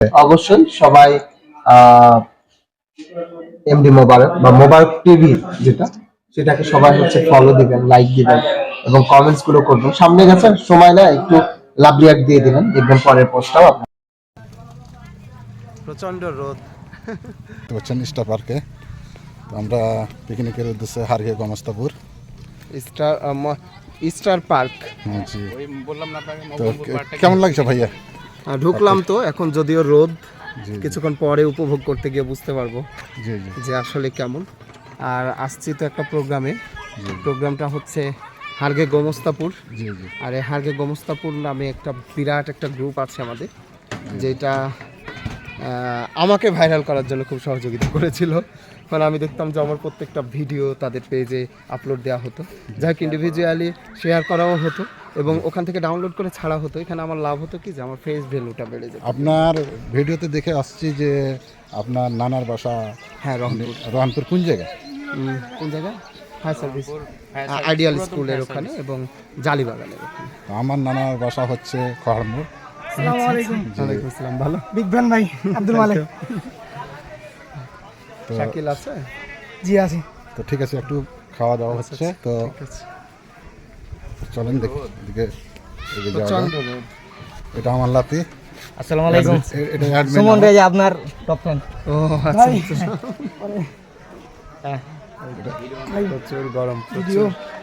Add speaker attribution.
Speaker 1: অবশ্যই সবাই এমডি মোবারক বা মোবারক টিভি যেটা সেটাকে সবাই হচ্ছে ফলো দিবেন, লাইক দিবেন এবং কমেন্টস গুলো করবেন। সামনে গেছে সময় না, একটু লাভ রিয়াক্ট দিয়ে দিবেন, দেখবেন পরের পোস্টটাও প্রচন্ড রোদ
Speaker 2: হচ্ছেন স্টার পার্কে। তো আমরা পিকনিকের উদ্দেশ্যে হারগে গমস্তাপুর
Speaker 1: স্টার পার্ক
Speaker 2: জি। তো কেমন লাগছে ভাইয়া?
Speaker 1: ঢুকলাম তো এখন, যদিও রোদ,
Speaker 2: জি
Speaker 1: কিছুক্ষণ পরে উপভোগ করতে গিয়ে বুঝতে পারবো
Speaker 2: জি জি
Speaker 1: যে আসলে কেমন। আর আসছি তো একটা প্রোগ্রামে, প্রোগ্রামটা হচ্ছে হারগে গোমস্তাপুর।
Speaker 2: জি জি
Speaker 1: আর এই হারগে গোমস্তাপুর নামে একটা বিরাট একটা গ্রুপ আছে আমাদের, যেটা আমাকে ভাইরাল করার জন্য খুব সহযোগিতা করেছিল। কারণ আমি দেখতাম যে আমার প্রত্যেকটা ভিডিও তাদের পেজে আপলোড দেওয়া হতো, যাই হোক ইন্ডিভিজুয়ালি শেয়ার করাও হতো এবং ওখান থেকে ডাউনলোড করে ছাড়া হতো। এখানে আমার লাভ হতো কি, যে আমার ফেস ভ্যালুটা বেড়ে যেত।
Speaker 2: আপনার ভিডিওতে দেখে আসছি যে আপনার নানার বাসা
Speaker 1: হ্যাঁ, রংপুর।
Speaker 2: রহনপুর কোন জায়গায়?
Speaker 1: কোন জায়গায়? ফায়ার সার্ভিস আইডিয়াল স্কুলের ওখানে এবং জালিবাগানের ওখানে।
Speaker 2: আমার নানার বাসা হচ্ছে খড়মুড়।
Speaker 3: আসসালামু আলাইকুম।
Speaker 1: ওয়ালাইকুম আসসালাম। ভালো?
Speaker 3: বিগ ব্যান ভাই আব্দুল মালিক।
Speaker 2: তো
Speaker 1: শাকিল আছে?
Speaker 3: জি আছি।
Speaker 2: তো ঠিক আছে, একটু খাওয়া দাওয়া হচ্ছে, তো
Speaker 1: ঠিক আছে।
Speaker 2: চলেন দিকে এগিয়ে যাওয়া
Speaker 1: প্রচন্ড
Speaker 2: যাক।
Speaker 1: রোদ।
Speaker 2: এটা আমার লাতি।
Speaker 3: আসসালামু আলাইকুম।
Speaker 2: এটা অ্যাডমিন
Speaker 3: সুমন ভাই আপনার টপ ফ্যান।
Speaker 1: ও আচ্ছা আচ্ছা। হ্যাঁ, প্রচুর গরম,
Speaker 3: ভিডিও
Speaker 1: প্রচুর।